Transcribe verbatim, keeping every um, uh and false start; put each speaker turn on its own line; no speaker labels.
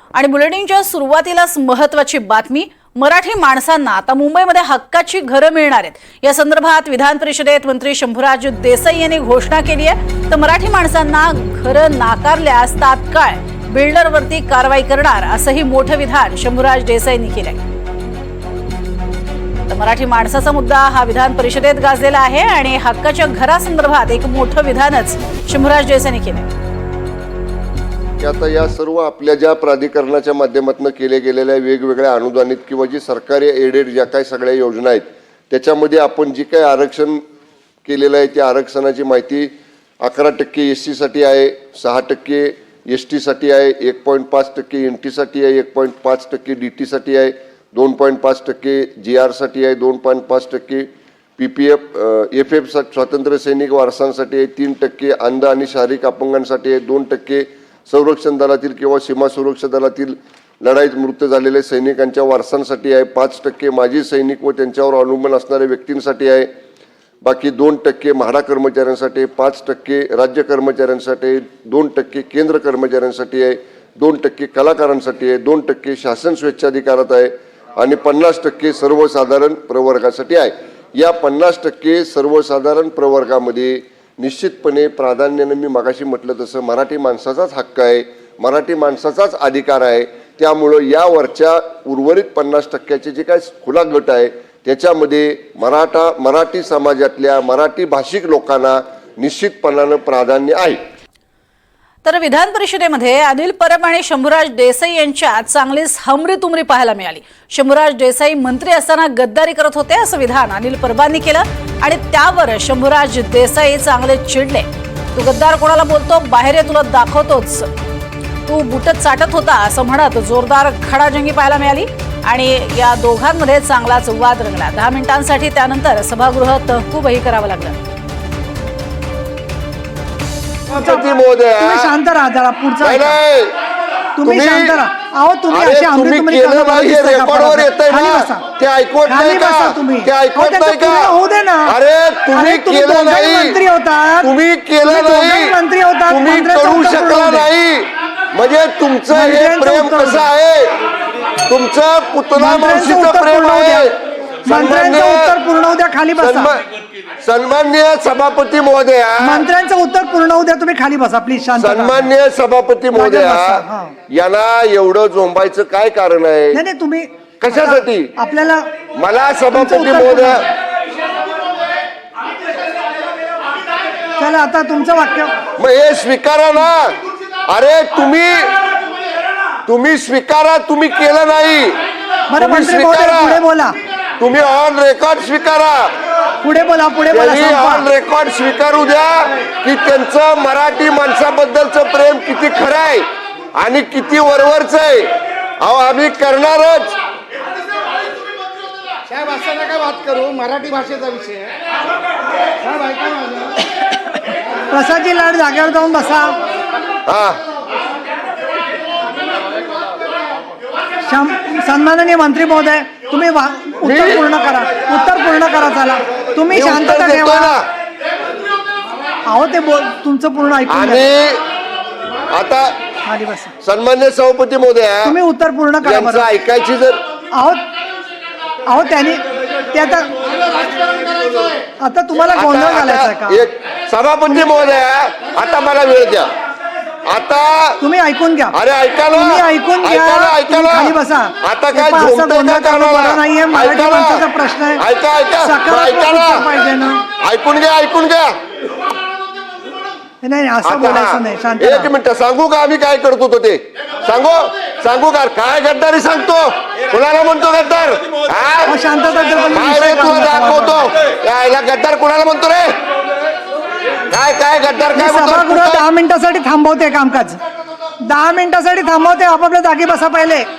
आणि बुलेटिनच्या सुरुवातीलाच महत्त्वाची बातमी, मराठी माणसांना आता मुंबईमध्ये हक्काची घरं मिळणार आहेत। या संदर्भात विधान परिषदेत मंत्री शंभूराज देसाई यांनी घोषणा केली आहे। तर मराठी माणसांना घरं नाकारल्यास तात्काळ बिल्डरवरती कारवाई करणार असंही मोठं विधान शंभूराज देसाईंनी केलंय। तर मराठी माणसाचा मुद्दा हा विधान परिषदेत गाजलेला आहे आणि हक्काच्या घरासंदर्भात एक मोठं विधानच शंभूराज देसाईंनी केलंय।
आता या सर्व आपल्या ज्या प्राधिकरणाच्या माध्यमातून केले गेलेल्या वेगवेगळ्या अनुदानित किंवा जी सरकारी एडेड ज्या काही सगळ्या योजना आहेत त्याच्यामध्ये आपण जी काही आरक्षण केलेलं आहे त्या आरक्षणाची माहिती अकरा टक्के एस सीसाठी आहे, सहा टक्के एस टीसाठी आहे, एक पॉईंट पाच टक्के एन टीसाठी आहे, एक पॉईंट पाच टक्के डी टीसाठी आहे, दोन पॉईंट पाच टक्के जी आरसाठी आहे, दोन पॉईंट पाच टक्के P P F F F स्वातंत्र्य सैनिक वारसांसाठी आहे, तीन टक्के अंध आणि शारीरिक अपंगांसाठी आहे, दोन टक्के संरक्षण दलातील किंवा सीमा सुरक्षा दलातील लढाईत मृत्यू झालेल्या सैनिकांच्या वारसांसाठी आहे, पाच टक्के माजी सैनिक व त्यांच्यावर अवलंबून असणाऱ्या व्यक्तींसाठी आहे, बाकी दोन टक्के म्हाडा कर्मचाऱ्यांसाठी, पाच टक्के राज्य कर्मचाऱ्यांसाठी, दोन टक्के केंद्र कर्मचाऱ्यांसाठी आहे, दोन टक्के कलाकारांसाठी आहे, दोन टक्के शासन स्वेच्छाधिकारात आहे आणि पन्नास टक्के सर्वसाधारण प्रवर्गासाठी आहे। या पन्नास टक्के सर्वसाधारण प्रवर्गामध्ये निश्चितपणे प्राधान्याने मी मगाशी म्हटलं तसं मराठी माणसाचाच हक्क आहे, मराठी माणसाचाच अधिकार आहे। त्यामुळं यावरच्या उर्वरित पन्नास टक्क्याचे जे काय खुला गट आहे त्याच्यामध्ये मराठा मराठी समाजातल्या मराठी भाषिक लोकांना निश्चितपणानं प्राधान्य आहे।
तर विधान परिषदेमध्ये अनिल परब आणि शंभूराज देसाई यांच्यात चांगलीच हमरी-तुमरी पाहायला मिळाली। शंभूराज देसाई मंत्री असताना गद्दारी करत होते असं विधान अनिल परबांनी केलं आणि त्यावर शंभूराज देसाई चांगले चिडले। तू गद्दार कोणाला बोलतो, बाहेर ये तुला दाखवतोच, तू बुटत चाटत होता असं म्हणत जोरदार खडाजंगी पाहायला मिळाली आणि या दोघांमध्ये चांगलाच वाद रंगला। दहा मिनिटांसाठी त्यानंतर सभागृह तहकूबही करावं लागलं।
तुम्ही शांत राहा जरा, पुढचा तुम्ही शांत राहा। अहो तुम्ही असे आमरे तुम्ही
रेकॉर्डवर येतंय ना, ते ऐकवत नाही का? ते ऐकवत नाही का?
होऊ दे ना।
अरे तुम्ही केलं नाही,
मंत्री होता,
तुम्ही केलं नाही,
मंत्री होता,
तुम्ही करू शकला नाही। म्हणजे तुमचं हे प्रेम कसं आहे, तुमचं पुतला मावशीचं प्रेम आहे।
मंत्र्यांचं उत्तर पूर्ण होऊ द्या, खाली बसा।
सन्माननीय सभापती महोदया,
मंत्र्यांचं उत्तर पूर्ण होऊ द्या, तुम्ही खाली बसा प्लीज। शांत
सन्माननीय सभापती महोदया, यांना एवढं झोंबायचं काय कारण आहे?
नाही नाही तुम्ही
कशासाठी
आपल्याला
मला सभापती महोदया,
चला आता तुमचं वाक्य
मग हे स्वीकारा ना। अरे तुम्ही तुम्ही स्वीकारा, तुम्ही केलं नाही, तुम्ही स्वीकारा,
पुढे बोला,
तुम्ही ऑन रेकॉर्ड स्वीकारा,
पुढे बोला, पुढे बोला,
ऑन रेकॉर्ड स्वीकारू द्या की त्यांचं मराठी माणसाबद्दलचं प्रेम किती खरं आहे आणि किती वरवरचं आहे। अहो आम्ही करणारच
साहेब, असं नका बात करू, मराठी भाषेचा विषय साहेब, ऐका माझं।
प्रसादजी लाड जागेवर जाऊन बसा।
हा,
सन्माननीय मंत्री महोदय, तुम्ही उत्तर पूर्ण करा, उत्तर पूर्ण करा। चला तुम्ही शांतता ठेवा। अहो ते बोल तुमचं पूर्ण ऐकून
आणि आता
खाली बसा।
सन्मान्य सभापती महोदया,
तुम्ही उत्तर पूर्ण करा बरं।
ऐकायची जर
अहो अहो त्यांनी ते आता आता तुम्हाला गोंधळ घालायचा का?
एक सभापती महोदया, आता मला वेळ द्या। आता
तुम्ही ऐकून घ्या।
अरे ऐका ना,
तुम्ही ऐकून घ्या,
ऐका ना,
खाली बसा।
आता काय
असं
झोपतंय
गोंधळ
का
करणं बरं नाहीये, मराठी माणसाचा प्रश्न आहे।
ऐका ऐका ऐका
पाहिजे ना,
ना, ऐकून घ्या ऐकून घ्या।
नाही असं बोलायचं नाही, शांत
एक मिनिट सांगू का आम्ही काय करत होतो ते? सांगू सांगू का काय गद्दारी सांगतो? कुणाला म्हणतो गद्दार?
शांतता
काय रे तुला दाखवतो, यायला गद्दार कुणाला म्हणतो रे? काय काय गद्दार काय
सभागृह दहा मिनिटासाठी थांबवते कामकाज, दहा मिनिटासाठी थांबवते, आपापल्या जागी बसा पहिले।